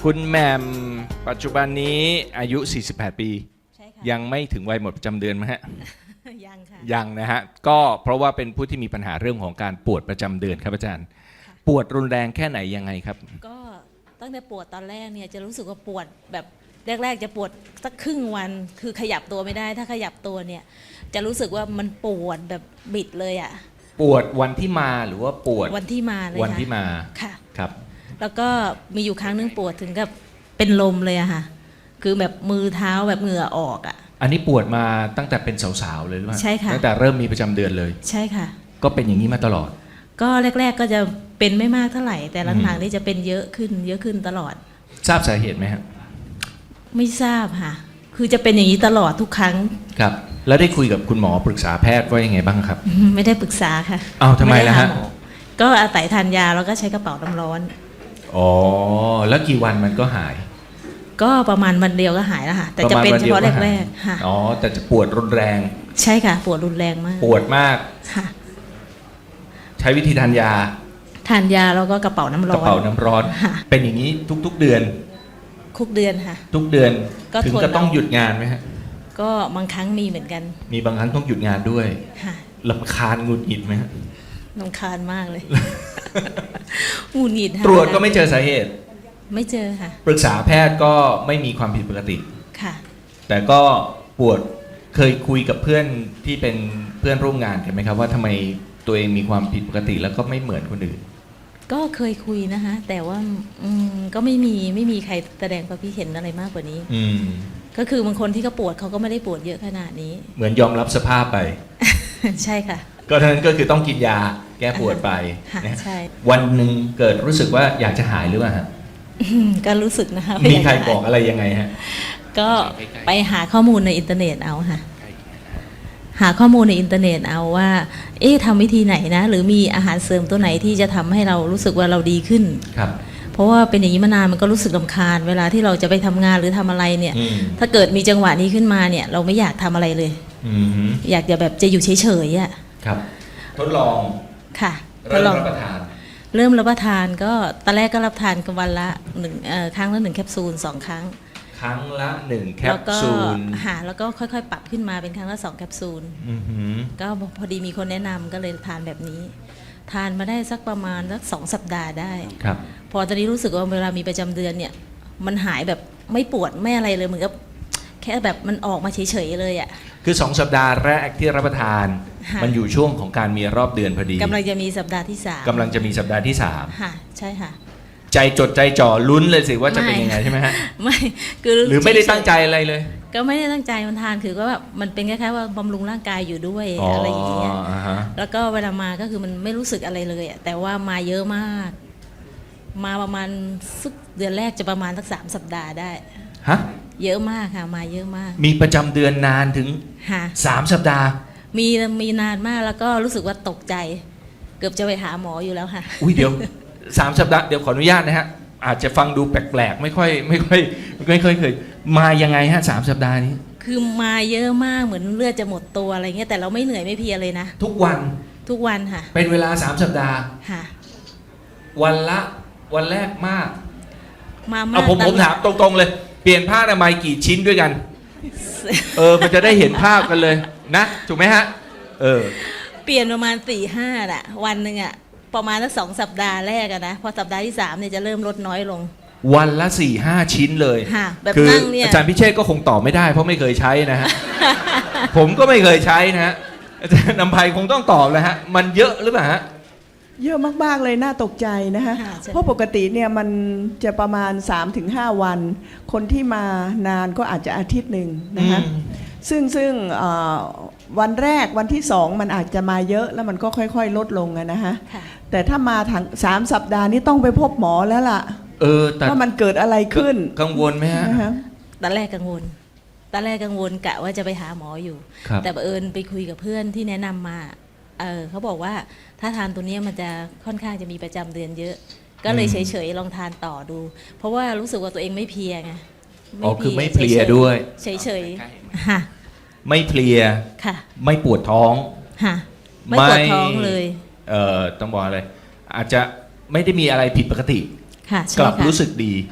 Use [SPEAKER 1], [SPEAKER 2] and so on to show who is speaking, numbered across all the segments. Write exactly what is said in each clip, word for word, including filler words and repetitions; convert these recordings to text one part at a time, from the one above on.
[SPEAKER 1] คุณแหม่มปัจจุบันนี้อายุ สี่สิบแปด ปี
[SPEAKER 2] ใช่ค่ะ
[SPEAKER 1] ยังไม่ถึงวัยหมดประจำเดือนไหมฮะ
[SPEAKER 2] ยังค่ะ
[SPEAKER 1] ยังนะฮะก็เพราะว่าเป็นผู้ที่มีปัญหาเรื่องของการปวดประจำเดือนครับอาจารย์ ปวดรุนแรงแค่ไหนยังไงครับ
[SPEAKER 2] ก็ตั้งแต่ปวดตอนแรกเนี่ยจะรู้สึกว่าปวดแบบแรกๆจะปวดสักครึ่งวันคือขยับตัวไม่ได้ถ้าขยับตัวเนี่ยจะรู้สึกว่ามันปวดแบบบิดเลยอ่ะ
[SPEAKER 1] ปวดวันที่มาหรือว่าปวด
[SPEAKER 2] วันที่มาเลย
[SPEAKER 1] วันที่มา
[SPEAKER 2] ค่ะ
[SPEAKER 1] ครับ
[SPEAKER 2] แล้วก็มีอยู่ครั้งนึงปวดถึงกับเป็นลมเลยอะค่ะคือแบบมือเท้าแบบเหงื่อออกอะ
[SPEAKER 1] อันนี้ปวดมาตั้งแต่เป็นสาวๆเลยหรือเปล่า
[SPEAKER 2] ใช่ค่ะ
[SPEAKER 1] ตั้งแต่เริ่มมีประจำเดือนเลย
[SPEAKER 2] ใช่ค่ะ
[SPEAKER 1] ก็เป็นอย่างนี้มาตลอด
[SPEAKER 2] ก็แรกๆก็จะเป็นไม่มากเท่าไหร่ แต่หลัง
[SPEAKER 1] อืม
[SPEAKER 2] ๆนี่จะเป็นเยอะขึ้นเยอะขึ้นตลอด
[SPEAKER 1] ทราบสาเหตุไหมครับ
[SPEAKER 2] ไม่ทราบค่ะ คือจะเป็นอย่างนี้ตลอดทุกครั้ง
[SPEAKER 1] ครับ แล้วได้คุยกับคุณหมอปรึกษาแพทย์ว่ายังไงบ้างครับ
[SPEAKER 2] ไม่ได้ปรึกษาค่ะ
[SPEAKER 1] อ้าวทำไมล่ะฮะ
[SPEAKER 2] ด้หาหอก็อาศัยทานยาแล้วก็ใช้กระเป๋าน้ำร้อน
[SPEAKER 1] อ๋อแล้วกี่วันมันก็หาย
[SPEAKER 2] ก็ประมาณวันเดียวก็หายแล้วค่ะ แต่จะเป็นเฉพาะแรกๆค่ะ
[SPEAKER 1] อ๋อแต่จะปวดรุนแรง
[SPEAKER 2] ใช่ค่ะ ปวดรุนแรงมาก
[SPEAKER 1] ปวดมาก
[SPEAKER 2] ค่ะ
[SPEAKER 1] ใช้วิธีทานยา
[SPEAKER 2] ทานยาแล้วก็กระเป๋าน้ำ
[SPEAKER 1] ก
[SPEAKER 2] ร้
[SPEAKER 1] ระ
[SPEAKER 2] อน
[SPEAKER 1] เป๋าน้ำร้อน
[SPEAKER 2] ค่ะ
[SPEAKER 1] เป็นอย่างนี้ทุกๆเดือน
[SPEAKER 2] คุกเดือนค่ะ
[SPEAKER 1] ทุกเดือน
[SPEAKER 2] ก็
[SPEAKER 1] ถึง
[SPEAKER 2] ทน
[SPEAKER 1] ก็ต้อง
[SPEAKER 2] เอา
[SPEAKER 1] หยุดงานไหมฮะ
[SPEAKER 2] ก็บางครั้งมีเหมือนกัน
[SPEAKER 1] มีบางครั้งต้องหยุดงานด้วย
[SPEAKER 2] ค่ะ
[SPEAKER 1] ลำคาญหงุดหงิดไหมฮะ
[SPEAKER 2] รำคาญมากเลย หงุดหงิดค่ะ
[SPEAKER 1] ตรวจก็ไม่เจอสาเหตุ
[SPEAKER 2] ไม่เจอค่ะ
[SPEAKER 1] ปรึกษาแพทย์ก็ไม่มีความผิดปกติ
[SPEAKER 2] ค่ะ
[SPEAKER 1] แต่ก็ปวดเคยคุยกับเพื่อนที่เป็นเพื่อนร่วมงานกันไหมครับว่าทำไมตัวเองมีความผิดปกติแล้วก็ไม่เหมือนคนอื่น
[SPEAKER 2] ก็เคยคุยนะคะ แต่ว่าอืมก็ไม่มีไม่มีใครแสดงความคิดเห็นอะไรมากกว่านี้
[SPEAKER 1] อืม
[SPEAKER 2] ก็คือบางคนที่เขาปวดเขาก็ไม่ได้ปวดเยอะขนาดนี้
[SPEAKER 1] เหมือนยอมรับสภาพไป
[SPEAKER 2] ใช่ค่ะ
[SPEAKER 1] ก็เท่านั้นก็คือต้องกินยาแก้ปวดไป
[SPEAKER 2] ค่ะ
[SPEAKER 1] นะ
[SPEAKER 2] ใช่
[SPEAKER 1] วันหนึ่งเกิดรู้สึกว่าอยากจะหายหรือเปล่าฮะ
[SPEAKER 2] อืมก็รู้สึกนะคะ
[SPEAKER 1] มีใคร
[SPEAKER 2] ว่า
[SPEAKER 1] บอกอะไรยังไงฮะ
[SPEAKER 2] ก็ไปหาข้อมูลในอินเทอร์เน็ตเอาค่ะ หาข้อมูลในอินเทอร์เน็ตเอาว่า เอ๊ะทำวิธีไหนนะ หรือมีอาหารเสริมตัวไหนที่จะทำให้เรารู้สึกว่าเราดีขึ้น
[SPEAKER 1] ครับ
[SPEAKER 2] เพราะว่าเป็นอย่างนี้มานานมันก็รู้สึกรำคาญ เวลาที่เราจะไปทำงานหรือทำอะไรเนี่ย
[SPEAKER 1] อืม
[SPEAKER 2] ถ้าเกิดมีจังหวะนี้ขึ้นมาเนี่ย เราไม่อยากทำอะไรเลย
[SPEAKER 1] อืมฮึ
[SPEAKER 2] อยากจะแบบจะอยู่เฉยๆอ่ะ
[SPEAKER 1] ครับทดลอง
[SPEAKER 2] ค่ะท
[SPEAKER 1] เริ่
[SPEAKER 2] ด
[SPEAKER 1] ม
[SPEAKER 2] ลอง
[SPEAKER 1] รับประทาน
[SPEAKER 2] เริ่มรับประทานก็ตอนแรกก็รับทานกันวันละหนึ่งเอ่อครั้งละหนึ่งแคปซูลสองครั้ง
[SPEAKER 1] ครั้งละหนึ่งแค
[SPEAKER 2] แล้
[SPEAKER 1] ป
[SPEAKER 2] วก็
[SPEAKER 1] ซูล
[SPEAKER 2] หาแล้วก็ค่อยๆ ปรับขึ้นมาเป็นครั้งละสองแคปซูล
[SPEAKER 1] อือหือ
[SPEAKER 2] ก็พอดีมีคนแนะนำก็เลยทานแบบนี้ ทานมาได้สักประมาณสักสองสัปดาห์ได้
[SPEAKER 1] ครับ
[SPEAKER 2] พอตอนนี้รู้สึกว่าเวลามีประจำเดือนเนี่ย มันหายแบบไม่ปวดไม่อะไรเลยเหมือนกับแค่แบบมันออกมาเฉยๆเลยอะ่ะ
[SPEAKER 1] คือสองสัปดาห์แรกที่รับประทาน
[SPEAKER 2] ค่ะ
[SPEAKER 1] มันอยู่ช่วงของการมีรอบเดือนพอดี
[SPEAKER 2] กำลังจะมีสัปดาห์ที่สาม
[SPEAKER 1] กำลังจะมีสัปดาห์ที่สาม
[SPEAKER 2] ค่ะใช่ค่ะ
[SPEAKER 1] ใจจดใจจ่อลุ้นเลยสิว่าจะเป็น
[SPEAKER 2] ไม่
[SPEAKER 1] ยังไงใช่ไหมฮะ
[SPEAKER 2] ไม่คือ
[SPEAKER 1] หรือไม่ได้
[SPEAKER 2] เฉยๆ
[SPEAKER 1] ตั้งใจอะไรเลย
[SPEAKER 2] ก็ไม่ได้ตั้งใจมันทานคือก็แบบมันเป็นคล้ายๆว่าบำรุงร่างกายอยู่ด้วยอะไรอย่างเงี้ย
[SPEAKER 1] อ่าฮะ
[SPEAKER 2] แล้วก็เวลามาก็คือมันไม่รู้สึกอะไรเลยอะแต่ว่ามาเยอะมาก มาประมาณสักเดือนแรกจะประมาณสักสามสัปดาห์ได้
[SPEAKER 1] ฮะ
[SPEAKER 2] เยอะมากค่ะ มาเยอะมาก
[SPEAKER 1] มีประจำเดือนนานถึง
[SPEAKER 2] ค่ะ
[SPEAKER 1] สามสัปดาห์
[SPEAKER 2] มีมีนานมากแล้วก็รู้สึกว่าตกใจ เกือบจะไปหาหมออยู่แล้วค่ะ
[SPEAKER 1] อุ้ยเดี๋ยว สามสัปดาห์เดี๋ยวขออนุญาตนะฮะอาจจะฟังดูแปลกๆไม่ค่อยไม่ค่อยไม่ค่อยเคยมายังไงฮะสามสัปดาห์นี้
[SPEAKER 2] คือมาเยอะมากเหมือนเลือดจะหมดตัวอะไรเงี้ยแต่เราไม่เหนื่อยไม่เพลียเลยนะ
[SPEAKER 1] ทุกวัน
[SPEAKER 2] ทุกวันค่ะ
[SPEAKER 1] เป็นเวลาสามสัปดาห์
[SPEAKER 2] ค่ะ
[SPEAKER 1] วันละวันแรกมาก
[SPEAKER 2] มามาก
[SPEAKER 1] เอาผม
[SPEAKER 2] ตล
[SPEAKER 1] ผ
[SPEAKER 2] อด
[SPEAKER 1] มถามตรงๆเลย เปลี่ยนผ้าอนามัยกี่ชิ้นด้วยกัน เออ มันจะได้เห็นภาพกันเลยนะ ถูกไหมฮะ เออ
[SPEAKER 2] เปลี่ยนประมาณสี่ห้าอะวันหนึ่งอะประมาณสักสองสัปดาห์แรกอะนะพอสัปดาห์ที่สามเนี่ยจะเริ่มลดน้อยลง
[SPEAKER 1] วันละสี่ห้าชิ้นเลย
[SPEAKER 2] ค่ะแบบ
[SPEAKER 1] คือ
[SPEAKER 2] นั่งเนี่ย
[SPEAKER 1] อาจารย์พิเชษก็คงตอบไม่ได้เพราะไม่เคยใช้นะฮะ ผมก็ไม่เคยใช้นะฮะอาจารย์นำภัยคงต้องตอบแล้วฮะ มันเยอะหรือเปล่าฮะ
[SPEAKER 3] เยอะมากๆเลยน่าตกใจนะคะ
[SPEAKER 2] ค่ะใช่
[SPEAKER 3] เพราะปกติเนี่ยมันจะประมาณ สามถึงห้า วัน คนที่มานานก็อาจจะอาทิตย์หนึ่งนะคะ
[SPEAKER 1] อืม
[SPEAKER 3] ซึ่งซึ่งเอ่อวันแรกวันที่สองมันอาจจะมาเยอะแล้วมันก็ค่อยๆ ลดลงอะนะคะ
[SPEAKER 2] ค่ะ
[SPEAKER 3] แต่ถ้ามาถังสามสัปดาห์นี้ต้องไปพบหมอแล้วล่ะ
[SPEAKER 1] เออ แต่
[SPEAKER 3] ว่ามันเกิดอะไรขึ้น
[SPEAKER 1] กังวลไหมฮะ
[SPEAKER 3] นะคะ
[SPEAKER 2] ตอนแรกกังวลตอนแรกกังวลกะว่าจะไปหาหมออยู่
[SPEAKER 1] ครับ
[SPEAKER 2] แต่บังเอิญไปคุยกับเพื่อนที่แนะนำมา เออเขาบอกว่าถ้าทานตัวเนี้ยมันจะค่อนข้างจะมีประจำเดือนเยอะ ก็เลย
[SPEAKER 1] อื
[SPEAKER 2] เฉ
[SPEAKER 1] ม
[SPEAKER 2] ยๆลองทานต่อดู เพราะว่ารู้สึกว่าตัวเองไม่เพลียไง
[SPEAKER 1] อ๋อคือไม่เพลียด้วย
[SPEAKER 2] เฉยๆค่ะ
[SPEAKER 1] ไม่เพลีย
[SPEAKER 2] ค่ะ
[SPEAKER 1] ไม่ปวดท้อง
[SPEAKER 2] ค่ะไม่ปวดท้องเลย
[SPEAKER 1] เอ่อต้องบอกอะไรอาจจะไม่ได้มีอะไรผิดปกติ
[SPEAKER 2] ค่ะ
[SPEAKER 1] ก
[SPEAKER 2] ใช่
[SPEAKER 1] ลับ
[SPEAKER 2] ค่ะ
[SPEAKER 1] รู้สึกดี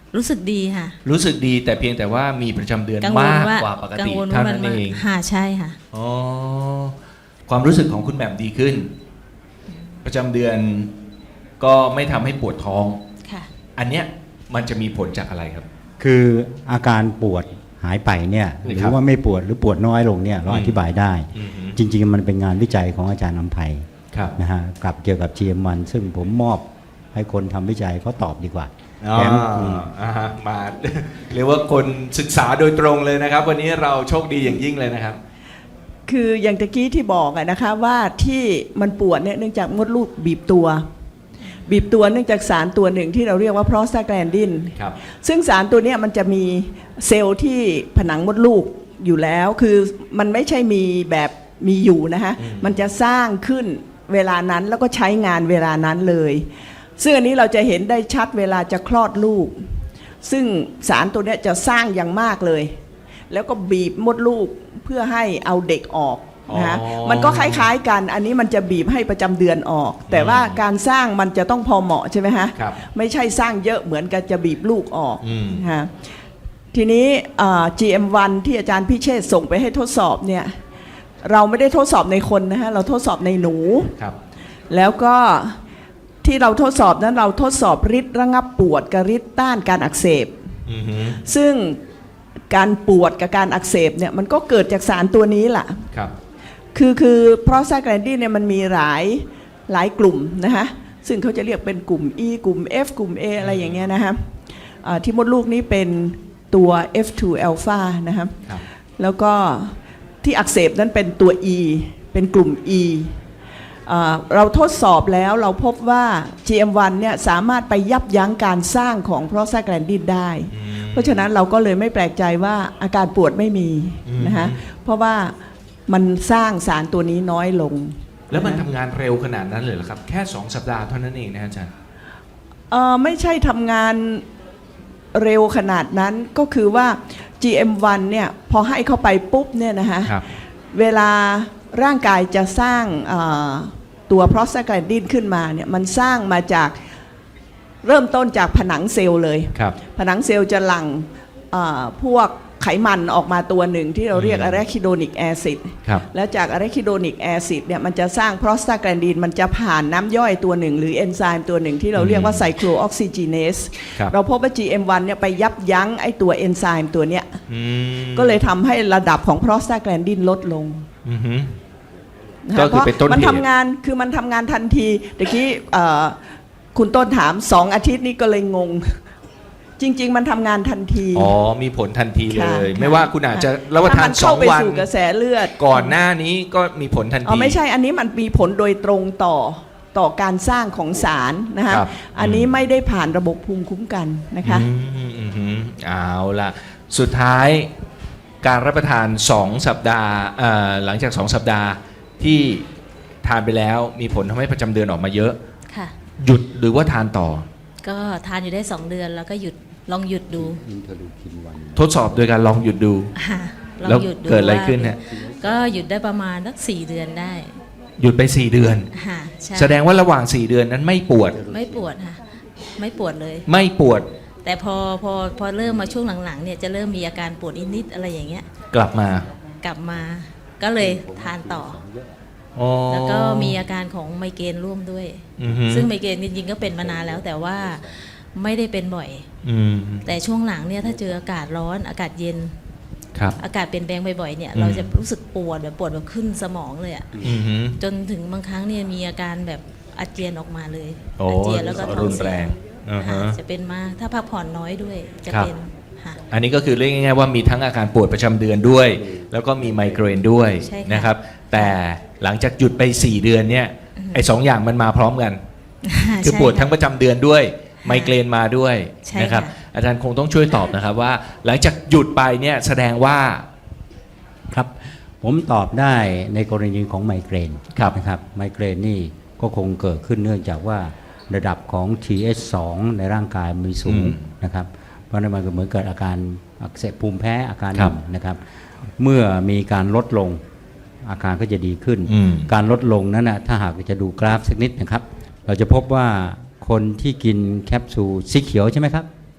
[SPEAKER 2] รู้สึกดีค่ะ
[SPEAKER 1] รู้สึกดีแต่เพียงแต่ว่ามีประจำเดือน
[SPEAKER 2] กังวล
[SPEAKER 1] มาก
[SPEAKER 2] ว่าก
[SPEAKER 1] ว่าปก
[SPEAKER 2] กั
[SPEAKER 1] ติ
[SPEAKER 2] งวล
[SPEAKER 1] เท่า
[SPEAKER 2] ว่ามั
[SPEAKER 1] นั้น น
[SPEAKER 2] มา
[SPEAKER 1] เอง
[SPEAKER 2] ค่ะใช่ค่ะ
[SPEAKER 1] อ๋อความรู้สึกของคุณแหม่มดีขึ้น ประจำเดือนก็ไม่ทำให้ปวดท้อง
[SPEAKER 2] ค่ะ
[SPEAKER 1] อันเนี้ยมันจะมีผลจากอะไรครับ
[SPEAKER 4] คืออาการปวดหายไปเนี่ยห
[SPEAKER 1] นี่
[SPEAKER 4] รื
[SPEAKER 1] ครับ
[SPEAKER 4] อว่าไม่ปวดหรือปวดน้อยลงเนี่ยเรา
[SPEAKER 1] อืม
[SPEAKER 4] อธิบายได้
[SPEAKER 1] อือฮึ
[SPEAKER 4] จริงๆมันเป็นงานวิจัยของอาจารย์อำไพ
[SPEAKER 1] ครับ
[SPEAKER 4] นะฮะกับเกี่ยวกับ จี เอ็ม วัน ซึ่งผมมอบให้คนทำวิจัยเขาตอบดีกว่า
[SPEAKER 1] อ๋อ
[SPEAKER 4] แถมอืม
[SPEAKER 1] อ่าฮะมา เรียกว่าคนศึกษาโดยตรงเลยนะครับ วันนี้เราโชคดีอย่างยิ่งเลยนะครับ
[SPEAKER 3] คืออย่างตะกี้ที่บอกอะนะคะว่าที่มันปวดเนี่ยเนื่องจากมดลูกบีบตัว บีบตัวเนื่องจากสารตัวหนึ่งที่เราเรียกว่าโปรสตาแกลนดิน
[SPEAKER 1] ครับ
[SPEAKER 3] ซึ่งสารตัวเนี้ยมันจะมีเซลล์ที่ผนังมดลูกอยู่แล้ว คือมันไม่ใช่มีแบบมีอยู่นะคะ
[SPEAKER 1] อืม
[SPEAKER 3] มันจะสร้างขึ้นเวลานั้นแล้วก็ใช้งานเวลานั้นเลย ซึ่งอันนี้เราจะเห็นได้ชัดเวลาจะคลอดลูก ซึ่งสารตัวเนี้ยจะสร้างอย่างมากเลย แล้วก็บีบมดลูกเพื่อให้เอาเด็กออกนะคะ
[SPEAKER 1] อ๋อ
[SPEAKER 3] มันก็คล้ายๆกัน อันนี้มันจะบีบให้ประจำเดือนออก แต่ว่าการสร้างมันจะต้องพอเหมาะใช่ไหมฮะ
[SPEAKER 1] ครับ
[SPEAKER 3] ไม่ใช่สร้างเยอะเหมือนกับจะบีบลูกออก
[SPEAKER 1] อืม
[SPEAKER 3] ฮะทีนี้เอ่อ จี เอ็ม วัน ที่อาจารย์พิเชษฐ์ส่งไปให้ทดสอบเนี่ยเราไม่ได้ทดสอบในคนนะฮะเราทดสอบในหนู
[SPEAKER 1] ครับ
[SPEAKER 3] แล้วก็ที่เราทดสอบนั้นเราทดสอบฤทธิ์ระงับปวดกับฤทธิ์ต้านการอักเสบ
[SPEAKER 1] อือฮึ
[SPEAKER 3] ซึ่งการปวดกับการอักเสบเนี่ยมันก็เกิดจากสารตัวนี้แหละ
[SPEAKER 1] ครับ
[SPEAKER 3] คือคือโปรสตาแกลนดินเนี่ยมันมีหลายหลายกลุ่มนะคะซึ่งเขาจะเรียกเป็นกลุ่ม E กลุ่ม F กลุ่ม A อะไรอย่างเงี้ยนะคะอ่าที่มดลูกนี้เป็นตัว เอฟ ทู alpha นะคะ
[SPEAKER 1] ครับ
[SPEAKER 3] แล้วก็ที่อักเสบนั้นเป็นตัว E เป็นกลุ่ม E อ่าเราทดสอบแล้วเราพบว่า จี เอ็ม วัน เนี่ยสามารถไปยับยั้งการสร้างของโปรสตาแกลนดินได้
[SPEAKER 1] อืม
[SPEAKER 3] เพราะฉะนั้นเราก็เลยไม่แปลกใจว่าอาการปวดไม่มี
[SPEAKER 1] อืม
[SPEAKER 3] นะคะเพราะว่ามันสร้างสารตัวนี้น้อยลง
[SPEAKER 1] แล้วมันทำงานเร็วขนาดนั้นเลยเหรอครับ แค่สองสัปดาห์เท่านั้นเองนะอาจารย์
[SPEAKER 3] เอ่อไม่ใช่ทำงานเร็วขนาดนั้นก็คือว่า จี เอ็ม วัน เนี่ยพอให้เข้าไปปุ๊บเนี่ยนะคะ
[SPEAKER 1] ครับ
[SPEAKER 3] เวลาร่างกายจะสร้างเอ่อตัวโปรสตาแกลนดินขึ้นมาเนี่ยมันสร้างมาจากเริ่มต้นจากผนังเซลล์เลย
[SPEAKER 1] ครับ
[SPEAKER 3] ผนังเซลล์จะหลั่งเอ่อพวกไขมันออกมาตัวหนึ่งที่เราเรียก
[SPEAKER 1] อืม
[SPEAKER 3] อะแรคิโดนิกแอซิด
[SPEAKER 1] ครับ
[SPEAKER 3] แล้วจากอะแรคิโดนิกแอซิดเนี่ยมันจะสร้างโปรสตาแกลนดินมันจะผ่านน้ำย่อยตัวหนึ่งหรือเอนไซม์ตัวหนึ่งที่เราเรียกว่าไซโคลออกซิจีเนส
[SPEAKER 1] ครับ
[SPEAKER 3] เราพบว่า จี เอ็ม วัน เนี่ยไปยับยั้งไอตัวเอนไซม์ตัวเนี้ย
[SPEAKER 1] อืม
[SPEAKER 3] ก็เลยทำให้ระดับของโปรสตาแกลนดินลดลง
[SPEAKER 1] อือฮึ
[SPEAKER 3] นะ
[SPEAKER 1] ก็
[SPEAKER 3] คะ
[SPEAKER 1] คือเป็นต้นเหตุ
[SPEAKER 3] มันทำงานคือมันทำงานทันทีตะกี้เอ่อคุณต้นถามสองอาทิตย์นี้ก็เลยงง จริง ๆ มันทำงานทันที
[SPEAKER 1] อ๋อ มีผลทันทีเล
[SPEAKER 3] ค่ะ
[SPEAKER 1] ย
[SPEAKER 3] ค่ะ
[SPEAKER 1] ไม่ว่าคุณอาจจะรับประทาน
[SPEAKER 3] ถ้มั
[SPEAKER 1] สอง
[SPEAKER 3] เข้าไป
[SPEAKER 1] วัน
[SPEAKER 3] สู่กระแสเลือด
[SPEAKER 1] ก่อนหน้านี้ก็มีผลทัน
[SPEAKER 3] อ๋อ
[SPEAKER 1] ที
[SPEAKER 3] ไม่ใช่อันนี้มันมีผลโดยตรงต่อต่อการสร้างของสารนะคะ
[SPEAKER 1] ครับ
[SPEAKER 3] อันนี้ไม่ได้ผ่านระบบภูมิคุ้มกันนะคะ
[SPEAKER 1] อืมอืมอืมเอาล่ะ สุดท้ายการรับประทานสองสัปดาห์เอ่อหลังจากสองสัปดาห์ที่ทานไปแล้วมีผลทำให้ประจำเดือนออกมาเยอะ
[SPEAKER 2] ค่ะ
[SPEAKER 1] หยุดหรือว่าทานต่อ
[SPEAKER 2] ก็ทานอยู่ได้สองเดือนแล้วก็หยุดลองหยุดดู
[SPEAKER 4] อินเทอร์ลูคินวัน
[SPEAKER 1] ทดสอบโดยการลองหยุดดู
[SPEAKER 2] ค่ะลอ
[SPEAKER 1] แล้ว
[SPEAKER 2] งหยุดดู
[SPEAKER 1] เกิดอะไร
[SPEAKER 2] ว่า
[SPEAKER 1] ขึ้นฮะ
[SPEAKER 2] ก็หยุดได้ประมาณสักสี่เดือนได้
[SPEAKER 1] หยุดไปสี่เดือน
[SPEAKER 2] ค่ะใช่
[SPEAKER 1] แสดงว่าระหว่างสี่เดือนนั้นไม่ปวด
[SPEAKER 2] ไม่ปวดค่ะ ไม่ปวดเลย
[SPEAKER 1] ไม่ปวด
[SPEAKER 2] แต่พอพอพอเริ่มมาช่วงหลังๆเนี่ยจะเริ่มมีอาการปวดนิดๆอะไรอย่างเงี้ย
[SPEAKER 1] กลับมา
[SPEAKER 2] กลับมาก็เลยทานต่อ
[SPEAKER 1] อ๋อ
[SPEAKER 2] แล้วก็มีอาการของไมเกรนร่วมด้วย
[SPEAKER 1] อือฮึ
[SPEAKER 2] ซึ่งไมเกรนจริงๆก็เป็นมานานแล้วแต่ว่าไม่ได้เป็นบ่อย
[SPEAKER 1] อืม
[SPEAKER 2] แต่ช่วงหลังเนี่ยถ้าเจออากาศร้อนอากาศเย็น
[SPEAKER 1] ครับ
[SPEAKER 2] อากาศเปลี่ยนแปลงบ่อยๆเนี่ย
[SPEAKER 1] อืม
[SPEAKER 2] เราจะรู้สึกปวดแบบปวดแบบขึ้นสมองเลยอะ
[SPEAKER 1] อือฮึ
[SPEAKER 2] จนถึงบางครั้งเนี่ยมีอาการแบบอาเจียนออกมาเลย
[SPEAKER 1] โอ้
[SPEAKER 2] อาเจียนแล้วก็ท้อ
[SPEAKER 1] รุ
[SPEAKER 2] ง
[SPEAKER 1] น
[SPEAKER 2] เสี
[SPEAKER 1] แร
[SPEAKER 2] ย
[SPEAKER 1] งอ่าฮะ
[SPEAKER 2] ค่ะจะเป็นมากถ้าพักผ่อนน้อยด้วยจะ
[SPEAKER 1] ครับ
[SPEAKER 2] เป็นค่ะ
[SPEAKER 1] อันนี้ก็คือเรียกง่ายๆว่ามีทั้งอาการปวดประจำเดือนด้วย แล้วก็มีไมเกรนด้วย
[SPEAKER 2] ใช่ค่ะ
[SPEAKER 1] นะครับ แต่หลังจากหยุดไปสี่เดือนเนี่ยไอ้สองอย่างมันมาพร้อมกัน คือ
[SPEAKER 2] ใช่
[SPEAKER 1] ปวดทั้ง
[SPEAKER 2] ค่ะ
[SPEAKER 1] ประจำเดือนด้วยไมเกรนมาด้วย
[SPEAKER 2] ใช่
[SPEAKER 1] นะครับ
[SPEAKER 2] ค่ะ
[SPEAKER 1] อาจารย์คงต้องช่วยตอบนะครับว่า หลังจากหยุดไปเนี่ยแสดงว่า
[SPEAKER 4] ครับผมตอบได้ในกรณีของไมเกรน
[SPEAKER 1] ครับ
[SPEAKER 4] นะครับไมเกรนนี่ก็คงเกิดขึ้นเนื่องจากว่าระดับของ ที เอช สอง ในร่างกายมีสูงนะครับเพราะนั้นมันก็เหมือนเกิดอาการอักเสบภูมิแพ้อาการหนึ่งนะครับเมื่อมีการลดลงอาการก็จะดีขึ้น
[SPEAKER 1] อืม
[SPEAKER 4] การลดลงนั้นนะถ้าหากจะดูกราฟสักนิดนะครับ เราจะพบว่าคนที่กินแคปซูลสีเขียวใช่ไหมครับ
[SPEAKER 2] สีเขียว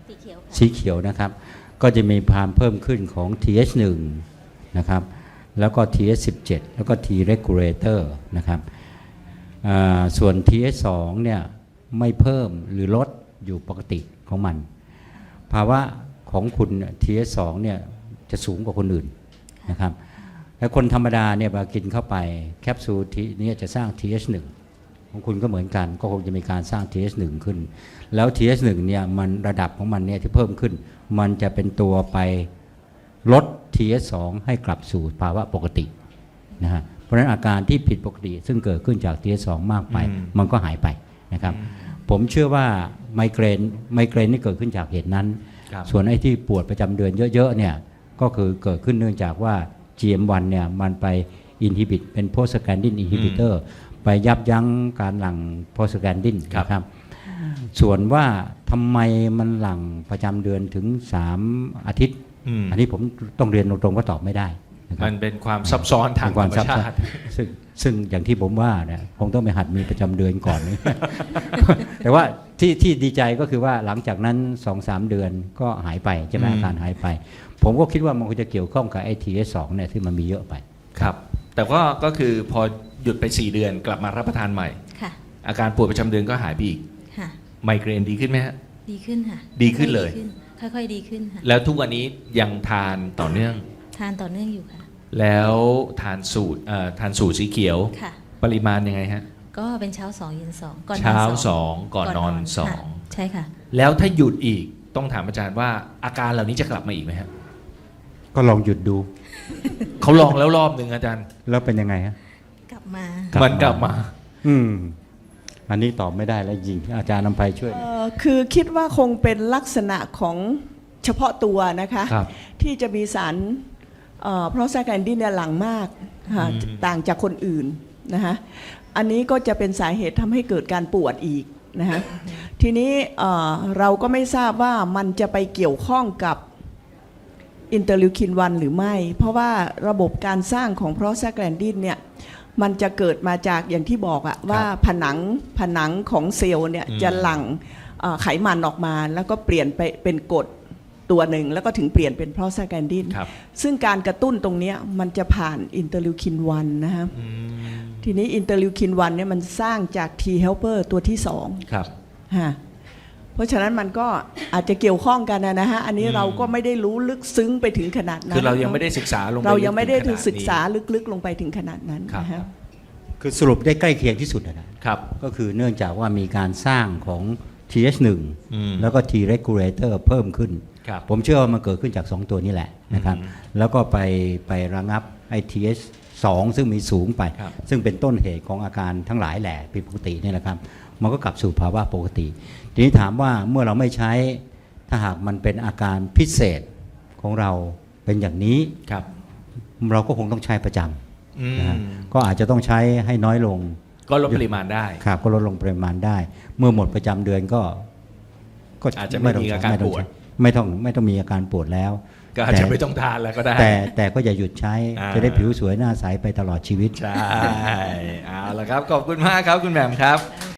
[SPEAKER 4] สีเขียวนะครับ ก็จะมีความเพิ่มขึ้นของ ที เอช หนึ่ง นะครับแล้วก็ ที เอช สิบเจ็ด แล้วก็ T regulator นะครับอ่าส่วน ที เอช สอง เนี่ยไม่เพิ่มหรือลดอยู่ปกติของมัน ภาวะของคุณ ที เอช สอง เนี่ยจะสูงกว่าคนอื่นนะครับและคนธรรมดาเนี่ยเวลากินเข้าไปแคปซูลทีนี้จะสร้าง ที เอช หนึ่ง ของคุณก็เหมือนกันก็คงจะมีการสร้าง ที เอช หนึ่ง ขึ้นแล้ว ที เอช หนึ่ง เนี่ยมันระดับของมันเนี่ยที่เพิ่มขึ้นมันจะเป็นตัวไปลด ที เอช สอง ให้กลับสู่ภาวะปกตินะฮะเพราะฉะนั้นอาการที่ผิดปกติซึ่งเกิดขึ้นจาก ที เอช สอง มากไปมันก็หายไปนะครับผมเชื่อว่าไมเกรนไมเกรนนี่เกิดขึ้นจากเหตุนั้นส่วนไอ้ที่ปวดประจำเดือนเยอะๆเนี่ยก็คือเกิดขึ้นเนื่องจากว่า จี เอ็ม วัน เนี่ยมันไปอินฮิบิตเป็นโพสแกนดินอินฮิบิเตอร์ไปยับยั้งการหลั่งโพสแกนดินนะครับส่วนว่าทำไมมันหลั่งประจำเดือนถึงสามอาทิตย์อันนี้ผมต้องเรียนตรงๆก็ตอบไม่ได้นะครับ
[SPEAKER 1] มันเป็นความซับซ้อนทาง
[SPEAKER 4] เป็น
[SPEAKER 1] ธร
[SPEAKER 4] ความ
[SPEAKER 1] รม
[SPEAKER 4] ซับซ้อ
[SPEAKER 1] ชาน ติ
[SPEAKER 4] ซึ่งซึ่งอย่างที่ผมว่าเนี่ยคงต้องไปหัดมีประจำเดือนก่อน แต่ว่าที่ที่ดีใจก็คือว่าหลังจากนั้น สองถึงสาม เดือนก็หายไปใช่ไหม
[SPEAKER 1] อืม
[SPEAKER 4] อาการหายไป ผมก็คิดว่ามันคงจะเกี่ยวข้องกับไอทีเอสสองเนี่ยที่มันมีเยอะไป
[SPEAKER 1] ครับแต่ก็ก็คือพอหยุดไปสี่เดือนกลับมารับประทานใหม่
[SPEAKER 2] ค่ะ
[SPEAKER 1] อาการปวดประจำเดือนก็หายไปอีก
[SPEAKER 2] ค่ะ
[SPEAKER 1] ไมเกรนดีขึ้นไหมฮะ
[SPEAKER 2] ดีขึ้นค่ะ
[SPEAKER 1] ดีขึ้นเลย
[SPEAKER 2] ค่อยๆดีขึ้นค่ะ
[SPEAKER 1] แล้วทุกวันนี้ยังทานต่อเนื่อง
[SPEAKER 2] ทานต่อเนื่องอยู่ค่ะ
[SPEAKER 1] แล้วทานสูตรเอ่อทานสูตรสีเขียว
[SPEAKER 2] ค่ะ
[SPEAKER 1] ปริมาณยังไงฮะ
[SPEAKER 2] ก็เป็นเช้าสองเย็นสองก่อนนอน
[SPEAKER 1] เช้า
[SPEAKER 2] ส
[SPEAKER 1] ส
[SPEAKER 2] อ
[SPEAKER 1] อง งก่อนนอนสอ
[SPEAKER 2] ค่ะ
[SPEAKER 1] ง
[SPEAKER 2] ใช่ค่ะ
[SPEAKER 1] แล้วถ้าหยุดอีกต้องถามอาจารย์ว่าอาการเหล่านี้จะกลับมาอีกไหมฮะ
[SPEAKER 4] ก็ลองหยุดดู
[SPEAKER 1] เขาลองแล้วรอบหนึ่งอาจารย์
[SPEAKER 4] แล้วเป็นยังไงฮะ
[SPEAKER 2] กลับมา
[SPEAKER 1] มันกลับมา
[SPEAKER 4] อืมอันนี้ตอบไม่ได้แล้วจริงอาจารย์นำไปช่วย
[SPEAKER 3] เอ่อคือคิดว่าคงเป็นลักษณะของเฉพาะตัวนะคะ
[SPEAKER 1] ครับ
[SPEAKER 3] ที่จะมีสารเพราะแซกแอนดินเนี่ยหลังมากค่ะ
[SPEAKER 1] อืม
[SPEAKER 3] ต่างจากคนอื่นนะคะอันนี้ก็จะเป็นสาเหตุทำให้เกิดการปวดอีกนะคะทีนี้เอ่อเราก็ไม่ทราบว่ามันจะไปเกี่ยวข้องกับอินเตอร์ลิวคินวันหรือไม่ เพราะว่าระบบการสร้างของโปรสแกลนดินเนี่ยมันจะเกิดมาจากอย่างที่บอกอะว่าผนังผนังของเซลล์เนี่ย
[SPEAKER 1] อืม
[SPEAKER 3] จะหลั่งเอ่อไขมันออกมาแล้วก็เปลี่ยนไปเป็นกรดตัวหนึ่งแล้วก็ถึงเปลี่ยนเป็นโปรสแกลนดิน
[SPEAKER 1] ครับ
[SPEAKER 3] ซึ่งการกระตุ้นตรงเนี้ยมันจะผ่านอินเตอร์ลิวคินวันนะฮะ
[SPEAKER 1] อืม
[SPEAKER 3] ทีนี้อินเตอร์ลิวคินวันเนี่ยมันสร้างจาก T helper ตัวที่สอง
[SPEAKER 1] ครับ
[SPEAKER 3] ฮะเพราะฉะนั้นมันก็อาจจะเกี่ยวข้องกันนะฮะ อันนี้
[SPEAKER 1] อืม
[SPEAKER 3] เราก็ไม่ได้รู้ลึกซึ้งไปถึงขนาดนั้น
[SPEAKER 1] คือเรายังไม่ได้ศึกษาลงป
[SPEAKER 3] เรายังไม่ได้
[SPEAKER 1] ลึกถึงขน
[SPEAKER 3] ศึกษา
[SPEAKER 1] นี้
[SPEAKER 3] ลึกๆลงไปถึงขนาดนั้น
[SPEAKER 1] ครับ
[SPEAKER 3] นะฮะ
[SPEAKER 4] คือสรุปได้ใกล้เคียงที่สุดนะครับ ก็คือเนื่องจากว่ามีการสร้างของ ที เอช หนึ่ง
[SPEAKER 1] อืม
[SPEAKER 4] แล้วก็ T regulator เพิ่มขึ้น
[SPEAKER 1] ครับ
[SPEAKER 4] ผมเชื่อว่ามันเกิดขึ้นจาก สอง ตัวนี้แหละนะครับ
[SPEAKER 1] อืม
[SPEAKER 4] แล้วก็ไปไประงับไอ ที เอช สอง ซึ่งมีสูงไป
[SPEAKER 1] ครับ
[SPEAKER 4] ซึ่งเป็นต้นเหตุของอาการทั้งหลายแหละผิดปกตินี่แหละครับ มันก็กลับสู่ภาวะปกติ ทีนี้ถามว่าเมื่อเราไม่ใช้ถ้าหากมันเป็นอาการพิเศษของเราเป็นอย่างนี้
[SPEAKER 1] ครับ
[SPEAKER 4] เราก็คงต้องใช้ประจ
[SPEAKER 1] อืม
[SPEAKER 4] ำนะฮะก็อาจจะต้องใช้ให้น้อยลง
[SPEAKER 1] ก็ลดปริมาณได้
[SPEAKER 4] ครับก็ลดลงปริมาณได้ เมื่อหมดประจำเดือนก็ ก็
[SPEAKER 1] อาจจะไม่มีอาการ
[SPEAKER 4] ไม่ต้ง
[SPEAKER 1] ปวด
[SPEAKER 4] ใช้ไม่ต้องไม่ต้องมีอาการปวดแล้ว
[SPEAKER 1] ก็อาจจะไม่ต้องทานแล้วก็ได้
[SPEAKER 4] แต่แต่ก็อย่าหยุดใช้
[SPEAKER 1] อ่า
[SPEAKER 4] จะได้ผิวสวยหน้าใสไปตลอดชีวิต
[SPEAKER 1] ใช่ เอาละครับ ขอบคุณมากครับคุณแหม่มครับ
[SPEAKER 2] ค่ะ